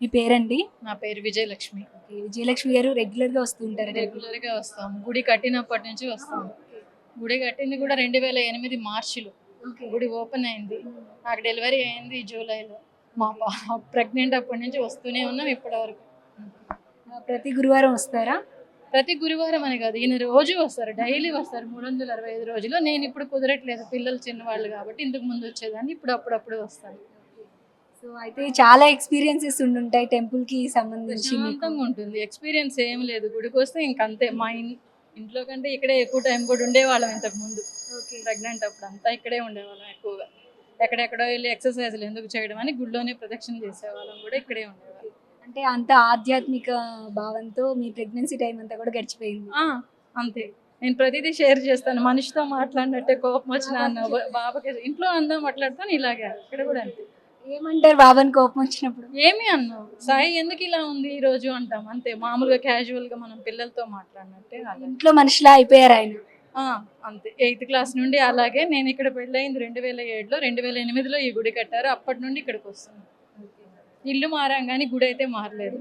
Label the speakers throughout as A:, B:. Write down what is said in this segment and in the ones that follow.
A: మీ పేరండి?
B: నా పేరు విజయలక్ష్మి.
A: ఓకే. విజయలక్ష్మి గారు రెగ్యులర్‌గా వస్తూ ఉంటారా టెంపుల్‌కి?
B: రెగ్యులర్‌గా వస్తాము. గుడి కట్టినప్పటి నుంచి వస్తాము. గుడి కట్టింది కూడా 2008 మార్చిలో
A: ఓకే.
B: గుడి ఓపెన్ అయింది. నాకు డెలివరీ అయింది జూలైలో. మా ప్రెగ్నెంట్ అప్పటి నుంచి వస్తూనే ఉన్నాం ఇప్పటి వరకు.
A: ప్రతి గురువారం వస్తారా?
B: ప్రతి గురువారం అని కాదు, ఈయన రోజు వస్తారు, డైలీ వస్తారు 365 రోజులు. నేను ఇప్పుడు కుదరట్లేదు, పిల్లలు చిన్నవాళ్ళు కాబట్టి. ఇంతకు ముందు వచ్చేదాన్ని, ఇప్పుడు అప్పుడప్పుడు వస్తాను.
A: సో, అయితే చాలా ఎక్స్‌పీరియన్సెస్ ఉండుంటాయి టెంపుల్‌కి సంబంధించి మీకు.
B: ప్రశాంతంగా ఉంటుంది. ఎక్స్పీరియన్స్ ఏం లేదు, గుడికి వస్తే ఇంకంతే. మా ఇంట్లో కంటే ఇక్కడే ఎక్కువ టైం కూడా ఉండేవాళ్ళం ఇంతకు ముందు.
A: ఓకే.
B: ప్రెగ్నెంట్ అప్పుడు అంతా ఇక్కడే ఉండేవాళ్ళం ఎక్కువగా. ఎక్కడెక్కడో వెళ్ళి ఎక్సర్సైజ్లు ఎందుకు చేయడం అని గుడిలోనే ప్రదక్షిణ చేసేవాళ్ళం, కూడా ఇక్కడే ఉండేవాళ్ళం.
A: అంటే అంత ఆధ్యాత్మిక భావంతో మీ ప్రెగ్నెన్సీ టైం అంతా కూడా గడిచిపోయింది.
B: అంతే. నేను ప్రతిదీ షేర్ చేస్తాను. మనిషితో మాట్లాడినట్టే, కోపం వచ్చినా బాబాకి ఇంట్లో అందా మాట్లాడతాను, ఇలాగే ఇక్కడ కూడా అంతే.
A: ఏమంటారు బాబాని కోపం వచ్చినప్పుడు?
B: ఏమి అన్నావు సాయి, ఎందుకు ఇలా ఉంది ఈ రోజు అంటాం అంతే. మామూలుగా క్యాజువల్ గా మనం పిల్లలతో మాట్లాడినట్టే అలా.
A: ఇంట్లో మనిషిలా అయిపోయారు ఆయన.
B: అంతే. 8th క్లాస్ నుండి అలాగే. నేను ఇక్కడ పెళ్ళయింది 2007లో, 2008లో ఈ గుడి కట్టారు. అప్పటి నుండి ఇక్కడికి వస్తున్నాను. ఇల్లు మారాం కానీ గుడి అయితే మారలేదు.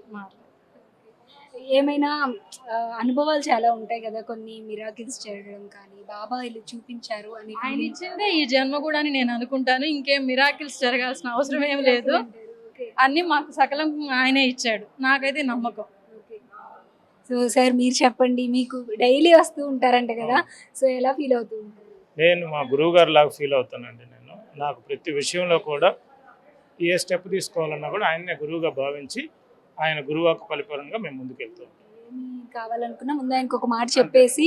A: ఏమైనా అనుభవాలు చాలా ఉంటాయి కదా, కొన్ని మిరాకిల్స్ చేయడం కానీ, బాబా ఇల్లు చూపించారు అని.
B: ఆయన ఇచ్చిందే ఈ జన్మ కూడా అని నేను అనుకుంటాను. ఇంకేం మిరాకిల్స్ జరగాల్సిన అవసరం ఏం లేదు. అన్నీ మాకు సకలం ఆయనే ఇచ్చాడు, నాకైతే నమ్మకం.
A: సో సార్, మీరు చెప్పండి, మీకు డైలీ వస్తూ ఉంటారంట కదా, సో ఎలా ఫీల్ అవుతూ ఉంటారు?
C: నేను మా గురువు గారు లాగా ఫీల్ అవుతానండి. నాకు ప్రతి విషయంలో కూడా ఏ స్టెప్ తీసుకోవాలన్నా కూడా ఆయన్నే గురువుగా భావించి, ఆయన గురువాకు పరిపూర్ణంగా మేము ముందుకెళ్తాం.
A: ఏమి కావాలనుకున్నా ముందు ఆయనకు ఒక మాట చెప్పేసి.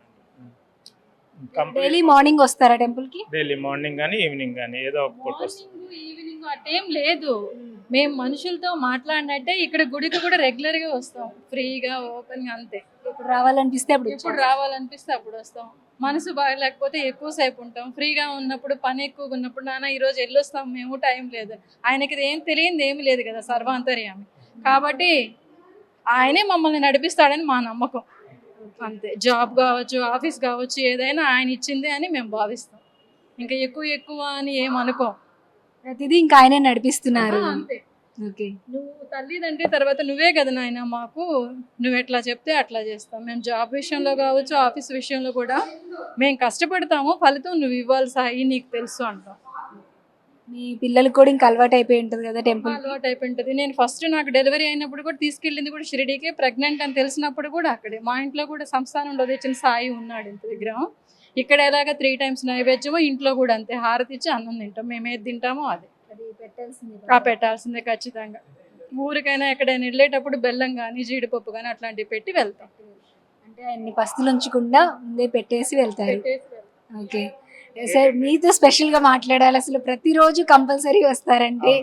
A: డైలీ మార్నింగ్ వస్తారా టెంపుల్కి?
C: డైలీ మార్నింగ్ కానీ ఈవినింగ్ కానీ ఏదో ఒక పూట వస్తాం.
B: ఈవినింగ్ అటేం లేదు, మేము మనుషులతో మాట్లాడినట్టే ఇక్కడ గుడికి కూడా రెగ్యులర్గా వస్తాం, ఫ్రీగా ఓపెన్గా అంతే.
A: ఇప్పుడు రావాలనిపిస్తే
B: ఎప్పుడు రావాలనిపిస్తే అప్పుడు వస్తాం. మనసు బాగలేకపోతే ఎక్కువసేపు ఉంటాం. ఫ్రీగా ఉన్నప్పుడు, పని ఎక్కువగా ఉన్నప్పుడు, నాన్న ఈరోజు వెళ్ళొస్తాం మేము, టైం లేదు. ఆయనకి ఏం తెలియదు ఏమి లేదు కదా, సర్వాంతర్యామి. కాబట్టి ఆయనే మమ్మల్ని నడిపిస్తాడని మా నమ్మకం అంతే. జాబ్ కావచ్చు, ఆఫీస్ కావచ్చు, ఏదైనా ఆయన ఇచ్చిందే అని మేము భావిస్తాం. ఇంకా ఎక్కువ అని ఏమనుకోం.
A: ప్రతిదీ ఇంకా ఆయనే నడిపిస్తున్నారు.
B: అంతే.
A: ఓకే.
B: నువ్వు తల్లిదండ్రి తర్వాత నువ్వే కదా నాయన మాకు, నువ్వు ఎట్లా చెప్తే అట్లా చేస్తాం. మేము జాబ్ విషయంలో కావచ్చు, ఆఫీస్ విషయంలో కూడా మేము కష్టపడతాము, ఫలితం నువ్వు ఇవ్వాలి సాయి, నీకు తెలుసు అంటాం.
A: మీ పిల్లలకు కూడా ఇంకా అలవాటు అయిపోయి ఉంటుంది కదా టెంపుల్?
B: అలవాటు అయిపోయి ఉంటుంది. నేను ఫస్ట్ నాకు డెలివరీ అయినప్పుడు కూడా తీసుకెళ్ళింది కూడా షిరిడీకే. ప్రెగ్నెంట్ అని తెలిసినప్పుడు కూడా అక్కడే. మా ఇంట్లో కూడా సంస్థానంలో తెచ్చిన సాయి ఉన్నాడు ఇంత విగ్రహం. ఇక్కడ ఎలాగ 3 times నైవేద్యమో, ఇంట్లో కూడా అంతే. హారతి ఇచ్చి అన్నం తింటాం. మేము ఏది తింటామో అది పెట్టాల్సిందే ఖచ్చితంగా. ఊరికైనా ఎక్కడైనా వెళ్ళేటప్పుడు బెల్లం కానీ, జీడిపప్పు కానీ అట్లాంటివి పెట్టి వెళ్తాం.
A: అంటే అన్ని పస్తులు ఉంచకుండా ముందే పెట్టేసి వెళ్తారు. ఓకే సార్, మీతో స్పెషల్గా మాట్లాడాలి. అసలు ప్రతిరోజు కంపల్సరీ వస్తారంటే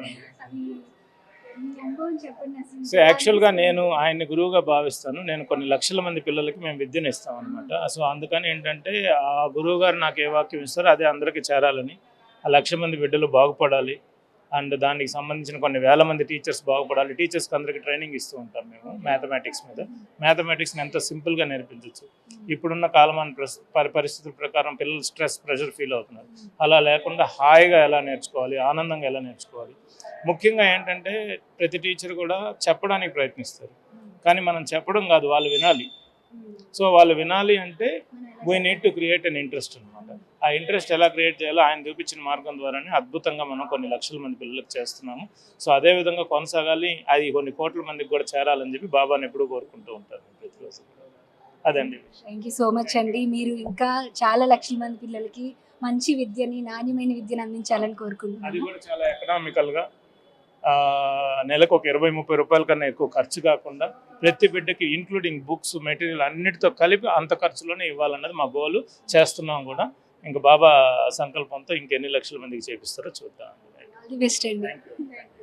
C: సో యాక్చువల్గా నేను ఆయన్ని గురువుగా భావిస్తాను. నేను కొన్ని లక్షల మంది పిల్లలకి మేము విద్యను ఇస్తాం అనమాట. సో అందుకని ఏంటంటే ఆ గురువు గారు నాకు ఏ వాక్యం ఇస్తారో అదే అందరికీ చేరాలని, ఆ 1,00,000 మంది బిడ్డలు బాగుపడాలి, అండ్ దానికి సంబంధించిన కొన్ని వేల మంది టీచర్స్ బాగుపడాలి. టీచర్స్కి అందరికీ ట్రైనింగ్ ఇస్తూ ఉంటాం మేము మ్యాథమెటిక్స్ మీద. మ్యాథమెటిక్స్ని ఎంత సింపుల్గా నేర్పించవచ్చు. ఇప్పుడున్న కాలమాన పరిస్థితుల ప్రకారం పిల్లలు స్ట్రెస్, ప్రెషర్ ఫీల్ అవుతున్నారు. అలా లేకుండా హాయిగా ఎలా నేర్చుకోవాలి, ఆనందంగా ఎలా నేర్చుకోవాలి. ముఖ్యంగా ఏంటంటే ప్రతి టీచర్ కూడా చెప్పడానికి ప్రయత్నిస్తారు, కానీ మనం చెప్పడం కాదు, వాళ్ళు వినాలి. సో వాళ్ళు వినాలి అంటే we need to create an interest అనమాట. ఆ ఇంట్రెస్ట్ ఎలా క్రియేట్ చేయాలో ఆయన చూపించిన మార్గం ద్వారానే అద్భుతంగా మనం కొన్ని లక్షల మంది పిల్లలకు చేస్తున్నాము. సో అదే విధంగా కొనసాగాలి, అది కొన్ని కోట్ల మందికి కూడా చేరాలని చెప్పి బాబాని ఎప్పుడూ కోరుకుంటూ ఉంటారు ప్రతిరోజు. అదండి.
A: థ్యాంక్ యూ సో మచ్ అండి. మీరు ఇంకా చాలా లక్షల మంది పిల్లలకి మంచి విద్యని, నాణ్యమైన విద్యను అందించాలని కోరుకుంటున్నాను.
C: అది కూడా చాలా ఎకనామికల్గా, నెలకు ఒక 20-30 రూపాయల కన్నా ఎక్కువ ఖర్చు కాకుండా ప్రతి బిడ్డకి ఇంక్లూడింగ్ బుక్స్, మెటీరియల్ అన్నిటితో కలిపి అంత ఖర్చులోనే ఇవ్వాలన్నది మా గోలు. చేస్తున్నాం కూడా. ఇంకా బాబా సంకల్పంతో ఇంకెన్ని లక్షల మందికి చేపిస్తారో చూద్దాం.
A: ఆల్ ది బెస్ట్ అండి.